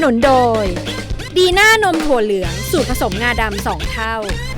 นุนโดยดีน่านมถั่วเหลืองสูตรผสมงาดำ2 เท่า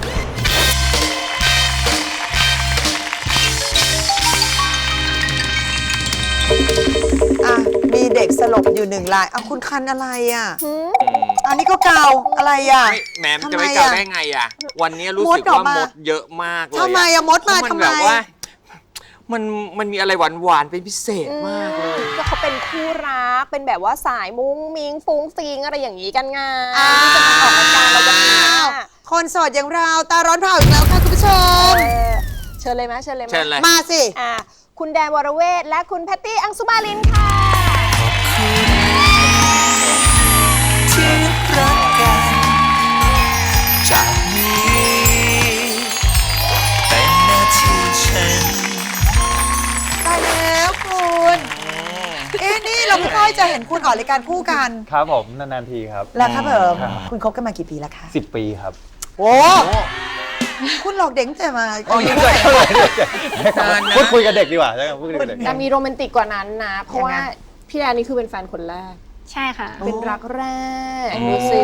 มีเด็กสลบอยู่1 รายคุณคันอะไรอ่ะอันนี้ก็เกาอะไรอ่ะแหมจะไม่เกาได้ไงอ่ะวันนี้รู้สึกว่ามดเยอะมากเลยทำไมอะมดมาทำไมมันมีอะไรหวานๆเป็นพิเศษมากเลยก็เขาเป็นคู่รักเป็นแบบว่าสายมุ้งมิ้งฟุ้งฟิงอะไรอย่างนี้กันไงจะมาออกรายการเราวันนี้คนโสดอย่างเราตาร้อนเผาอีกแล้วค่ะคุณผู้ชมเชิญเลยไหมเชิญเลยมาสิคุณแดนวรเวทและคุณแพตตี้อังสุมาลินค่ะที่รักกันจากนี้เป็นหน้าที่ฉันตายแล้วคุณนี่เราไม่ค่อยจะเห็นคุณออกรายการคู่กันครับผมนานๆทีครับแล้วครับผมคุณคบกันมากี่ปีแล้วคะ 10 ปีครับโอ้คุณหลอกเด็กแต่มาพูดคุยกับเด็กดีกว่าใช่ไหมพูดคุยกับเด็กแต่มีโรแมนติกกว่านั้นนะเพราะว่าพี่แดนนี่คือเป็นแฟนคนแรกใช่ค่ะเป็นรักแรกดูสิ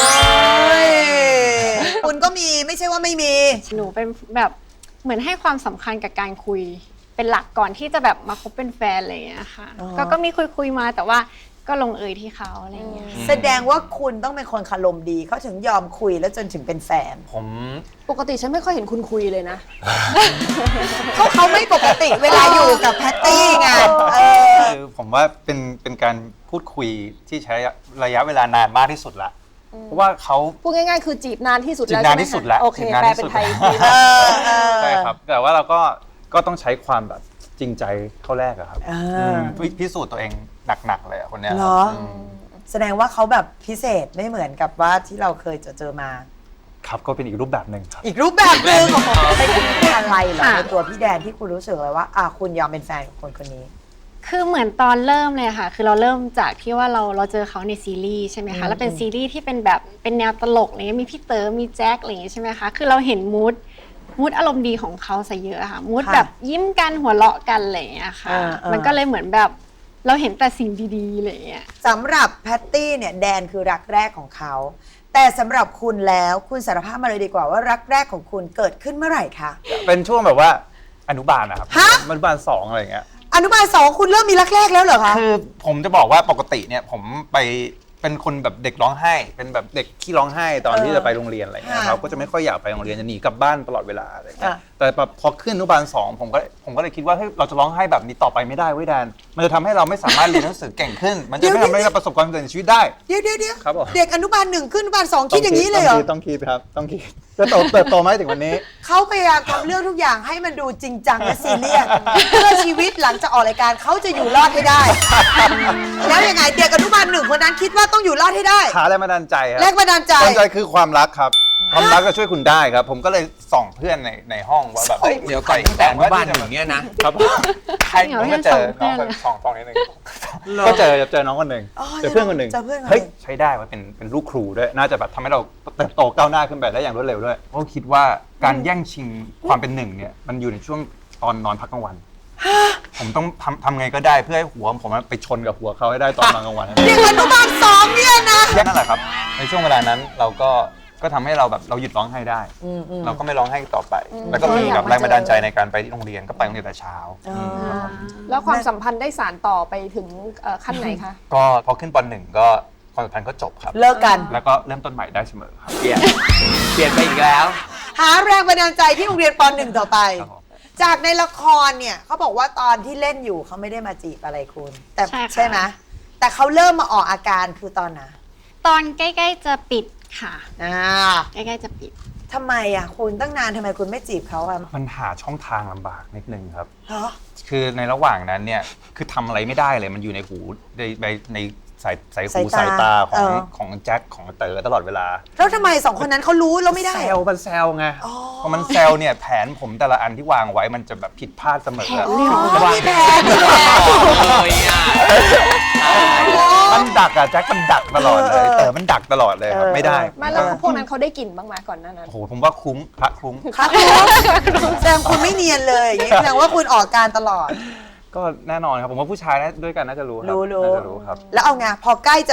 คุณก็มีไม่ใช่ว่าไม่มีหนูเป็นแบบเหมือนให้ความสำคัญกับการคุยเป็นหลักก่อนที่จะแบบมาคบเป็นแฟนอะไรอย่างเงี้ยค่ะก็มีคุยมาแต่ว่าก็ลงเอยที่เขาอะไรอย่างเงี้ยแสดงว่าคุณต้องเป็นคนคารมดีเขาถึงยอมคุยแล้วจนถึงเป็นแฟนผมปกติฉันไม่ค่อยเห็นคุณคุยเลยนะเขาไม่ปกติเวลาอยู่กับแพตตี้ไงคือผมว่าเป็นการพูดคุยที่ใช้ระยะเวลานานมากที่สุดละเพราะว่าเขาพูดง่ายๆคือจีบนานที่สุดแล้วจีบนานที่สุดแล้วโอเคแปลเป็นไทยใช่ครับแต่ว่าเราก็ต้องใช้ความแบบจริงใจเข้าแรกอะครับพิสูจน์ตัวเองหนักๆเลยคนเนี้ยเหรอแสดงว่าเขาแบบพิเศษไม่เหมือนกับว่าที่เราเคยเจอมาครับก็เป็นอีกรูปแบบหนึ่งครับอีกรูปแบบหนึ่งเป็นอะไรเหรอในตัวพี่แดนที่คุณรู้สึกเลยว่าคุณยอมเป็นแฟนกับคนนี้คือเหมือนตอนเริ่มเลยค่ะคือเราเริ่มจากที่ว่าเราเจอเขาในซีรีส์ใช่ไหมคะแล้วเป็นซีรีส์ที่เป็นแบบเป็นแนวตลกอะไรเงี้ยมีพี่เต๋อมีแจ็คอะไรอย่างเงี้ยใช่ไหมคะคือเราเห็นมูดอารมณ์ดีของเขาซะเยอะค่ะมูดแบบยิ้มกันหัวเราะกันอะไรอย่างเงี้ยค่ะมันก็เลยเหมือนแบบเราเห็นแต่สิ่งดีๆอะไรอย่างเงี้ยสำหรับแพตตี้เนี่ยแดนคือรักแรกของเขาแต่สำหรับคุณแล้วคุณสารภาพมาเลยดีกว่าว่ารักแรกของคุณเกิดขึ้นเมื่อไหร่คะเป็นช่วงแบบว่าอนุบาลนะครับอนุบาล2อะไรอย่างเงี้ยอนุบาล2คุณเริ่มมีรักแรกแล้วเหรอคะคือผมจะบอกว่าปกติเนี่ยผมไปเป็นคนแบบเด็กร้องไห้เป็นแบบเด็กขี้ร้องไห้ตอนที่จะไปโรงเรียนอะไรเงี้ยเราก็จะไม่ค่อยอยากไปโรงเรียนจะหนีกลับบ้านตลอดเวลาอะไรเงี้ยแต่พอขึ้นอนุบาล2ผมก็เลยคิดว่าเราจะร้องไห้แบบนี้ต่อไปไม่ได้เว้ยแดนมันจะทำให้เราไม่สามารถเรียนหนังสือเก่งขึ้นมันจะไม่ทำให้เราประสบความสำเร็จในชีวิตได้เดี๋ยวครับผมเด็กอนุบาล1ขึ้นอนุบาล2คิดอย่างนี้เลยเหรอต้องคิดครับต้องคิดจะเติบโตไหมถึงวันนี้เขาพยายามทำเรื่องทุกอย่างให้มันดูจริงจังและซีเรียสเพื่อชีวิตหลังจากออกรายการเขาจะอยู่รอดให้ได้แล้วยังไงเด็กอนุบาล1คนนั้นคิดว่าต้องอยู่รอดให้ได้หาแรงบันดาลใจครับแรงบันดาลใจคือความรักครับความรักจะช่วยคุณได้ครับผมก็เลยส่องเพื่อนในห้องว่าแบบเดี๋ยวก่อนแต่บ้านอย่างเงี้ยนะครับใครผมก็เจอน้องส่องนิดนึงก็เจอน้องคนหนึ่งเจอเพื่อนคนหนึ่งเฮ้ยใช้ได้ว่าเป็นลูกครูด้วยน่าจะแบบทำให้เราเติบโตก้าวหน้าขึ้นไปได้อย่างรวดเร็วด้วยเพราะคิดว่าการแย่งชิงความเป็นหนึ่งเนี่ยมันอยู่ในช่วงตอนนอนพักกลางวันผมต้องทำไงก็ได้เพื่อให้หัวผมไปชนกับหัวเขาให้ได้ตอนนอนกลางวันเด็กอนุบาล2เนี่ยนะนั่นแหละครับในช่วงเวลานั้นเราก็ทำให้เราแบบเราหยุดร้องไห้ได้เราก็ไม่ร้องไห้ต่อไปแล้วก็มีแบบแรงบันดาลใจในการไปที่โรงเรียนก็ไปโรงเรียนแต่เช้าแล้วความสัมพันธ์ได้สานต่อไปถึงขั้นไหนคะก็พอขึ้นป.1ก็ความสัมพันธ์ก็จบครับเลิกกันแล้วก็เริ่มต้นใหม่ได้เสมอครับเปลี่ยนไปอีกแล้วหาแรงบันดาลใจที่โรงเรียนป.1ต่อไปจากในละครเนี่ยเขาบอกว่าตอนที่เล่นอยู่เขาไม่ได้มาจีบอะไรคุณแต่ใช่ไหมแต่เขาเริ่มมาออกอาการคือตอนไหนตอนใกล้ๆจะปิดค่ะใกล้ๆจะปิดทำไมคุณตั้งนานทำไมคุณไม่จีบเขามันหาช่องทางลำบากนิดนึงครับคือในระหว่างนั้นเนี่ยคือทำอะไรไม่ได้เลยมันอยู่ในหูในสายหูสายตาของแจ็คของเต๋อตลอดเวลาแล้วทำไม2คนนั้นเขารู้แล้วไม่ได้มันแซวไงพอมันแซวเนี่ยแผนผมแต่ละอันที่วางไว้มันจะแบบผิดพลาดเสมอมีแผนมันดักแจ็คมันดักตลอดเลยเต๋อมันดักตลอดเลยครับไม่ได้แล้วพวกนั้นเขาได้กลิ่นบ้างไหมก่อนหน้านั้นโอ้โหผมว่าคุ้มพระคุ้มแซมคุณไม่เนียนเลยอย่างนี้แสดงว่าคุณออกการตลอดก็แน่นอนครับผมว่าผู้ชายด้วยกันน่าจะรู้ครับรู้ครับแล้วเอาไงพอใกล้จะปิด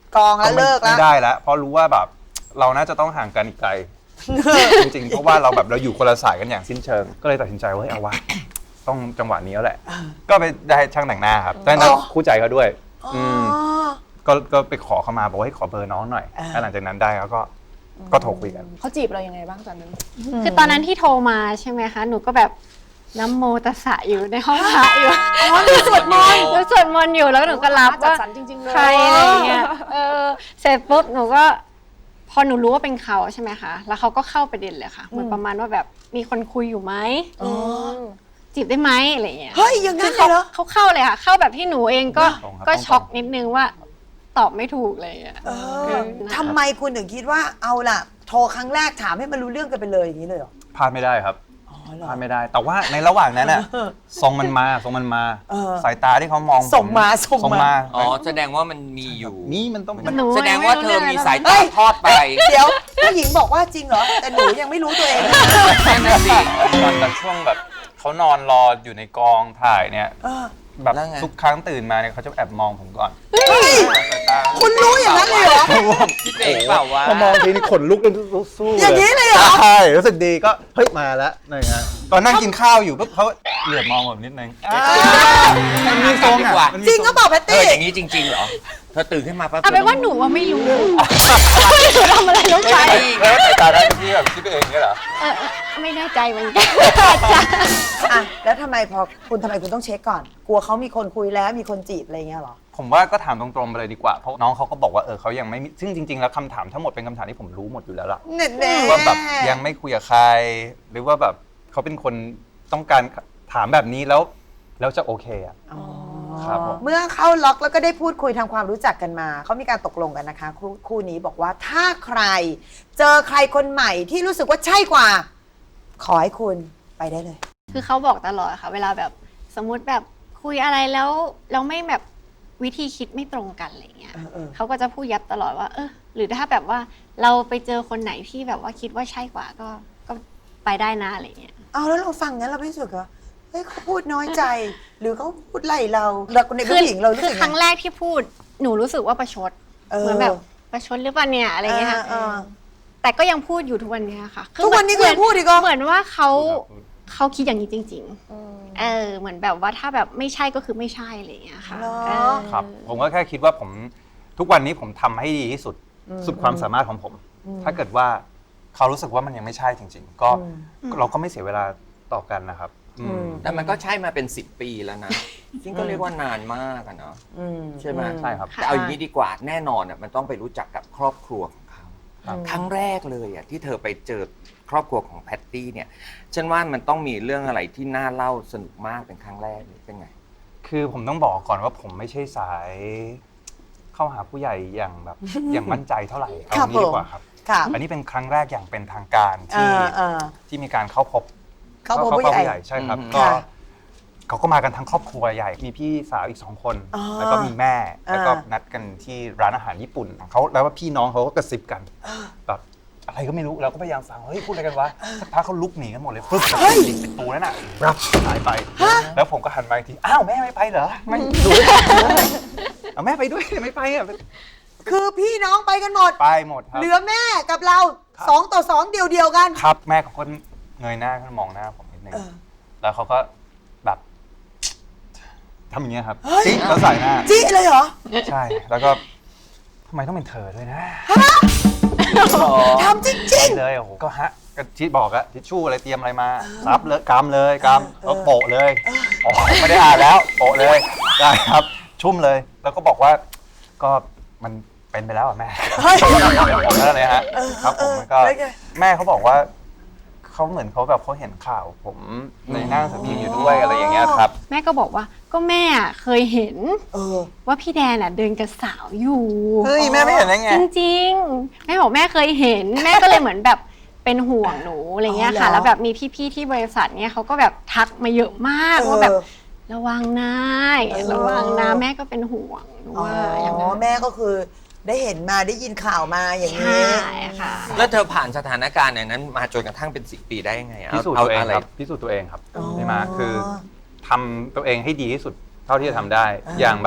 กองแล้วเลิกแล้วไม่ได้แล้วเพราะรู้ว่าแบบเราน่าจะต้องห่างกันอีกไกล จริงๆเพราะว่าเราแบบเราอยู่คนละสายกันอย่างสิ้นเชิง ก็เลยตัดสินใจว่าเฮ้ยเอาวะต้องจังหวะนี้แล้วแหละ ก็ไปได้ช่างแต่งหน้าครับแต่นั้นคู่ใจเขาด้วยก็ไปขอเขามาบอกว่าให้ขอเบอร์น้องหน่อยแล้วหลังจากนั้นได้แล้วก็โทรคุยกันเขาจีบเรายังไงบ้างตอนนั้นคือตอนนั้นที่โทรมาใช่ไหมคะ หนูก็แบบน้ำโมตัสสะอยู่ในห้องพระอยู่อ๋อหนูสวดมนต์หนูสวดมนต์อยู่แล้วหนูก็รับจัดว่าสรรจริงๆเลยใครอะไรอย่างเงี้ยเสร็จปุ๊บหนูก็พอหนูรู้ว่าเป็นเขาใช่ไหมคะ แล้วเขาก็เข้าประเด็นเลยค่ะ เหมือนประมาณว่าแบบมีคนคุยอยู่ไหมจีบได้ไหมอะไรอย่างเงี้ยเฮ้ยยังไงคือเหรอเขาเข้าเลยค่ะ เข้าแบบที่หนูเองก็ตรงครับก็ตรงช็อกนิดนึงว่าตอบไม่ถูกเลยอ่ะทำไมคุณถึงคิดว่าเอาล่ะ โทรครั้งแรกถามให้มันรู้เรื่องกันไปเลยอย่างนี้เลยเหรอพลาดไม่ได้ครับอ๋อเหรอพลาดไม่ได้ แต่ว่าในระหว่างนั้นน่ะทรงมันมาสายตาที่เขามองผมส่งมาอ๋อแสดงว่ามันมีอยู่นี่มันต้องหนูแสดงว่าเธอมีสายเฮ้ตาย ทอดไปเดี๋ยวผู้หญิงบอกว่าจริงเหรอ แต่หนูยังไม่รู้ตัวเองเลยนั่นสิตอนช่วงแบบเขานอนรออยู่ในกองถ่ายเนี่ยเออแบบแล้วไงทุกครั้งตื่นมาเนี่ยเขาจะแอบมองผมก่อนเฮ้ย คุณรู้อย่างนั้นเลยเหรอคิดเองเปล่าวะพอมองทีนี่ขนลุกเลยสู้ๆอย่างนี้เลยเหรอใช่รู้สึกดีก็เฮ้ยมาแล้วนี่ฮะตอนนั่งกินข้าวอยู่ปุ๊บเขาเหลือบมองผมนิดนึงมันมีทรงดีกว่าอ่ะจริงก็บอกแพตเธอตี้อย่างนี้จริงๆเหรอ เธอตื่นขึ้นมาปั๊บเอาเป็นว่าหนูว่าไม่รู้ หนูทำอะไรลงไปแล้วสายตาได้ที่แบบคิดไปเองเนี่ยเหรอไม่แน่ใจเหมือนกันอ่ะแล้วทำไมคุณต้องเช็คก่อน กลัวเขามีคนคุยแล้วมีคนจีบอะไรเงี้ยเหรอผมว่าก็ถามตรงๆไปเลยดีกว่าเพราะน้องเขาก็บอกว่าเขายังไม่มีซึ่งจริงๆแล้วคำถามทั้งหมดเป็นคำถามที่ผมรู้หมดอยู่แล้วล่ะแน่ว่าแบบยังไม่คุยกับใคร หรือว่าแบบเขาเป็นคนต้องการถามแบบนี้แล้วจะโอเคอ่ะ ครับผมเมื่อเข้าล็อกแล้วก็ได้พูดคุยทำความรู้จักกันมา เขามีการตกลงกันนะคะ คู่นี้บอกว่าถ้าใครเจอใครคนใหม่ที่รู้สึกว่าใช่กว่า ขอให้คุณไปได้เลยคือเขาบอกตลอดค่ะ เวลาแบบสมมุติแบบคุยอะไรแล้วเราไม่แบบวิธีคิดไม่ตรงกันอะไรเงี้ย เขาก็จะพูดยับตลอดว่าหรือถ้าแบบว่าเราไปเจอคนไหนที่แบบว่าคิดว่าใช่กว่าก็ไปได้นะอะไรเงี้ยเอาแล้วเราฟังงั้นเราไม่รู้สึกเหรอเฮ้ยเขาพูดน้อยใจ หรือเขาพูดไล่เราในผู้หญิงเรารู้คืสึอก ครั้งไงแรกที่พูดหนูรู้สึกว่าประชดเหมือนแบบประชดหรือเปล่าเนี่ยอะไรเงี้ยค่ะ แต่ก็ยังพูดอยู่ทุกวันเนี้ยค่ะคือทุกวันนี้ก็ยังพูดอีกเหรอเหมือนว่าเขาคิดอย่างนี้จริง ๆเหมือนแบบว่าถ้าแบบไม่ใช่ก็คือไม่ใช่อะไรอย่างเงี้ยค่ะเหรอครับผมก็แค่คิดว่าผมทุกวันนี้ผมทำให้ดีที่สุดสุดความสามารถของผม ถ้าเกิดว่าเขารู้สึกว่ามันยังไม่ใช่จริง ๆ ก็เราก็ไม่เสียเวลาต่อกันนะครับแต่มันก็ใช่มาเป็น10 ปีแล้วนะซึ่งก็เรียกว่านานมากอะเนาะใช่ไหมใช่ครับแต่เอาอย่างนี้ดีกว่าแน่นอนอะมันต้องไปรู้จักกับครอบครัวของเขาครับครั้งแรกเลยอะที่เธอไปเจอครอบครัวของแพตตี้เนี่ยฉันว่ามันต้องมีเรื่องอะไรที่น่าเล่าสนุกมากเป็นครั้งแรกเลยเป็นไงคือผมต้องบอกก่อนว่าผมไม่ใช่สายเข้าหาผู้ใหญ่อย่างแบบ อย่างมั่นใจเท่าไหร่เอางี้ดีกว่าครับครับอันนี้เป็นครั้งแรกอย่างเป็นทางการที่มีการเข้าพบเขาพบผู้ใหญ่ใช่ครับอืมก็ค่ะเขาก็มากันทั้งครอบครัวใหญ่ มีพี่สาวอีก2 คน แล้วก็มีแม่ แล้วก็นัดกันที่ร้านอาหารญี่ปุ่นเขาแล้วว่าพี่น้องเขาก็กระซิบกันแบบอะไรก็ไม่รู้เราก็พยายามฟังเฮ้ยพูดอะไรกันวะสักพักเขาลุกหนีกันหมดเลยฟึ๊บปิดประตูนั่นน่ะรับหายไป แล้วผมก็หันมาอีกทีอ้าวแม่ไม่ไปเหรอไม่ดูเอาแม่ไปด้วยไม่ไปอ่ะคือพี่น้องไปกันหมดไปหมดครับเหลือแม่กับเราครับ 2 ต่อ 2 เดียวกันครับแม่เขาก็เงยหน้าขึ้นมองหน้าผมนิดนึงแล้วเขาก็แบบทำอย่างเงี้ยครับจิ๊กแล้วใส่หน้าจี้เลยเหรอใช่แล้วก็ทำไมต้องเป็นเธอด้วยนะทำจริงเลยโอ้โหก็ก็ทิชบอกอะทิชชู่อะไรเตรียมอะไรมาซับเลยกำเลยกำแล้วโปะเลยอ๋อไม่ได้อ่านแล้วโปะเลยได้ครับชุ่มเลย แล้วก็บอกว่าก็มันเป็นไปแล้วอ่ะแม่เฮ้ยนั่นเลยฮะครับผมแล้วก็แล้วไงแม่เขาบอกว่าเขาเหมือนเขาแบบเขาเห็นข่าวผมในหน้าหนังสือพิมพ์อยู่ด้วยอะไรอย่างเงี้ยครับแม่ก็บอกว่าก็แม่เคยเห็นๆว่าพี่แดนเดินกับสาวอยู่เฮ้ยแม่ไม่เห็นได้ไงจริงๆแม่บอกแม่เคยเห็น แม่ก็เลยเหมือนแบบเป็นห่วงหนูอะไรเงี้ยค่ะอ๋อเหรอแล้วแบบมีพี่ๆที่บริษัทเนี้ยเขาก็แบบทักมาเยอะมากว่าแบบระวังนะระวังนะแม่ก็เป็นห่วงหนูอ๋อว่าอย่างนั้นแม่ก็คือได้เห็นมาได้ยินข่าวมาอย่างนี้ใช่ค่ะแล้วเธอผ่านสถานการณ์อย่างนั้นมาจนกระทั่งเป็น10 ปีได้ยังไงอะพิสูจน์เอาตัวเองอะไรครับพิสูจน์ตัวเองครับใช่ไหมคือทำตัวเองให้ดีที่สุดเท่าที่จะทำได้ อย่างแบบ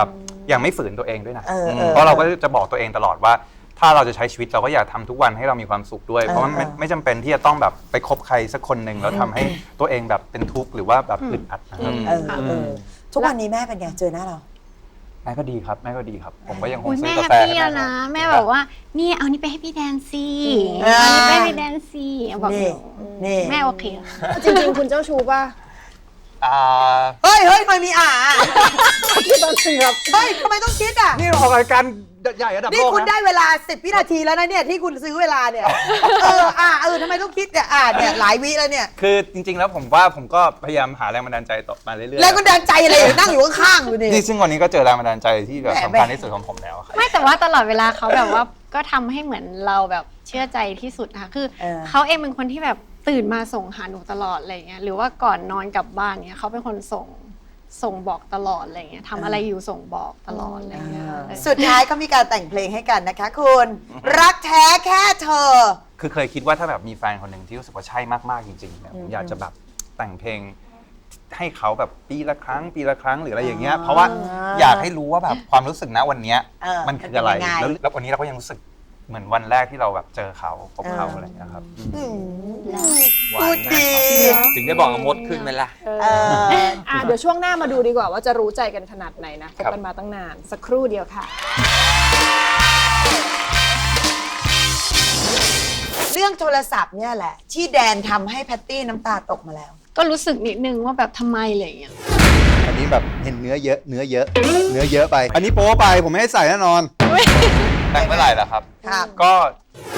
ยังไม่ฝืนตัวเองด้วยนะเออเพราะเราก็จะบอกตัวเองตลอดว่า ถ้าเราจะใช้ชีวิตเราก็อยากทำทุกวันให้เรามีความสุขด้วย เพราะมันไม่จำเป็นที่จะต้องแบบไปคบใครสักคนหนึ่งแล้วทำให้ตัวเองแบบเป็นทุกข์หรือว่าแบบอึดอัดนะครับทุกวันนี้แม่เป็นไงเจอหน้าเราแม่ก็ดีครับแม่ก็ดีครับ ผมก็ยังคงอุ้ยซื้แม่อกาแฮปแฟปี้ให้แล้วแม่นะแม่บอกว่านี่เอานี่ไปให้พี่แดนซี่อ่าเอานี่ไปให้พี่แดนซี่บอกนี่นี่แม่โอเคจริงๆ คุณเจ้าชู้ป่ะเฮ้ยทำไมมีคิดตอนสิครับเฮ้ยทำไมต้องคิดอ่ะนี่ออกรายการใหญ่ระดับนี่โลกคุณนะได้เวลา10 วินาทีแล้วนะเนี่ยที่คุณซื้อเวลาเนี่ยทำไมต้องคิดเนี่ยเนี่ยหลายวิแล้วเนี่ยคือจริงๆแล้วผมว่าผมก็พยายามหาแรงบันดาลใจต่อมาเรื่อยๆแรงบันดาลใจอะไรนั่งอยู่ข้างๆอยู่นี่นี่ซึ่งวันนี้ก็เจอแรงบันดาลใจที่แบบแหมสำคัญที่สุดของผมแล้วครับไม่แต่ว่าตลอดเวลาเขาแบบว่าก็ทำให้เหมือนเราแบบเชื่อใจที่สุดค่ะคือเขาเองเป็นคนที่แบบตื่นมาส่งหาหนูตลอดอะไรเงี้ยหรือว่าก่อนนอนกลับบ้านเนี้ยเขาเป็นคนส่งบอกตลอดอะไรเงี้ยทำอะไรอยู่ส่งบอกตลอดอะไรเงี้ยสุดท้ายก็มีการแต่งเพลงให้กันนะคะคุณรักแท้แค่เธอคือเคยคิดว่าถ้าแบบมีแฟนคนหนึ่งที่รู้สึกว่าใช่มากๆจริงๆเนี่ยผมอยากจะแบบแต่งเพลงให้เขาแบบปีละครั้งหรืออะไรอย่างเงี้ยเพราะว่าอยากให้รู้ว่าแบบความรู้สึกณวันเนี้ยมันคืออะไรมันเป็นยังไงแล้ววันนี้เราก็ยังรู้สึกเหมือนวันแรกที่เราแบบเจอเขาพบเขาอะไรอย่างเงี้ยครับหวานมากครับถึงได้บอกว่ามดขึ้นไหมล่ะเดี๋ยวช่วงหน้ามาดูดีกว่าว่าจะรู้ใจกันขนาดไหนนะคบกันมาตั้งนานสักครู่เดียวค่ะเรื่องโทรศัพท์เนี่ยแหละ ที่แดนทำให้แพตตี้น้ำตาตกมาแล้วก็รู้สึกนิดนึงว่าแบบทำไมอะไรเงี้ยอันนี้แบบเห็นเนื้อเยอะไป อันนี้โป๊ไปผมไม่ให้ใส่แน่นอนแต่งเมื่อไหร่ล่ะครับครับก็